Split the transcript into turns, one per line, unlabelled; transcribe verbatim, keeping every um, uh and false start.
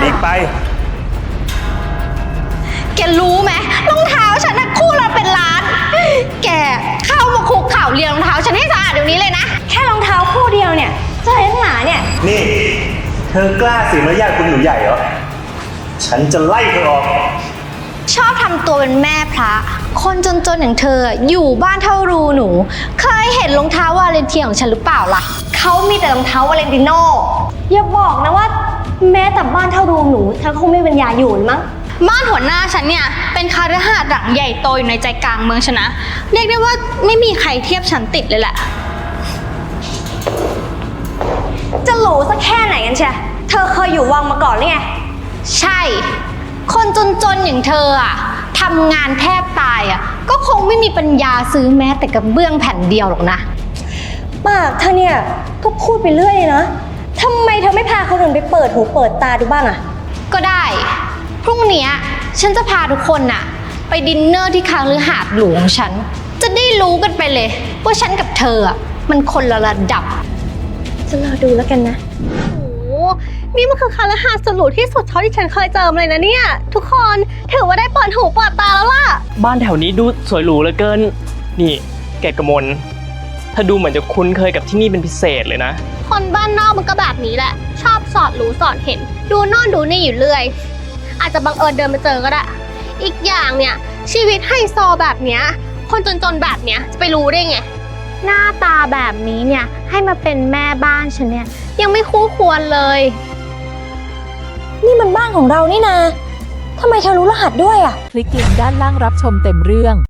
กไป
แกรู้ไหมรองเท้าฉันนะคู่ละเป็นล้าน แกเข้ามาคุกเข่าเรียงรองเท้าฉันให้สะอาดเดี๋ยวนี้เลยนะ
แค่รองเท้าคู่เดียวเนี่ยจะอะไรนักหนาเนี่ย
นี่เธอกล้าเสียมารยาทคุณหนูใหญ่เหรอฉันจะไล่เธอออก
ชอบทำตัวเป็นแม่พระคนจนๆอย่างเธออยู่บ้านเท่ารูหนูเคยเห็นรองเท้าวาเลนเทียของฉันหรือเปล่าล่ะ
เขามีแต่รองเท้าวาเลนติโน่อย่าบอกนะว่าแม้แต่บ้านเท่ารูหนูเธอคงไม่มีปัญญาอยู่มั้ง
บ้านหัวหน้าฉันเนี่ยเป็นคาฤหาสน์หลังใหญ่โตอยู่ในใจกลางเมืองชนะเรียกได้ว่าไม่มีใครเทียบฉันติดเลยแหละ
จะหรูสักแค่ไหนกันเชียเธอเคยอยู่วังมาก่อนหรือไง
ใช่คนจนๆอย่างเธออะทำงานแทบตายอะก็คงไม่มีปัญญาซื้อแม้แต่กระเบื้องแผ่นเดียวหรอกนะ
ปากเธอเนี่ยก็พูดไปเรื่อยนะทำไมเธอไม่พาคนอื่นไปเปิดหูเปิดตาดูบ้างอะ
ก็ได้พรุ่งนี้ฉันจะพาทุกคนน่ะไปดินเนอร์ที่คาฤหาสน์หลวงฉันจะได้รู้กันไปเลยว่าฉันกับเธออะมันคนละระดับ
จะรอดูแล้วกันนะ
โอ้นี่มันคือคาฤหาสน์สุดหรูที่สุดเท่าที่ฉันเคยเจอเลยนะเนี่ยทุกคนถือว่าได้เปิดหูเปิดตาแล้วล่ะ
บ้านแถวนี้ดูสวยหรูเหลือเกินนี่แกกมลเธอดูเหมือนจะคุ้นเคยกับที่นี่เป็นพิเศษเลยนะ
คนบ้านนอกมันก็แบบนี้แหละชอบสอดรู้สอดเห็นดูโน่นดูนี่อยู่เรื่อยอาจจะบังเอิญเดินมาเจอก็ได้อีกอย่างเนี่ยชีวิตไฮโซแบบเนี้ยคนจนๆแบบเนี้ยจะไปรู้ได้ไงหน้าตาแบบนี้เนี่ยให้มาเป็นแม่บ้านฉันเนี่ยยังไม่คู่ควรเลย
นี่มันบ้านของเรานี่นาทำไมเธอรู้รหัสด้วยอ่ะ
คลิกลิงก์ด้านล่างรับชมเต็มเรื่อง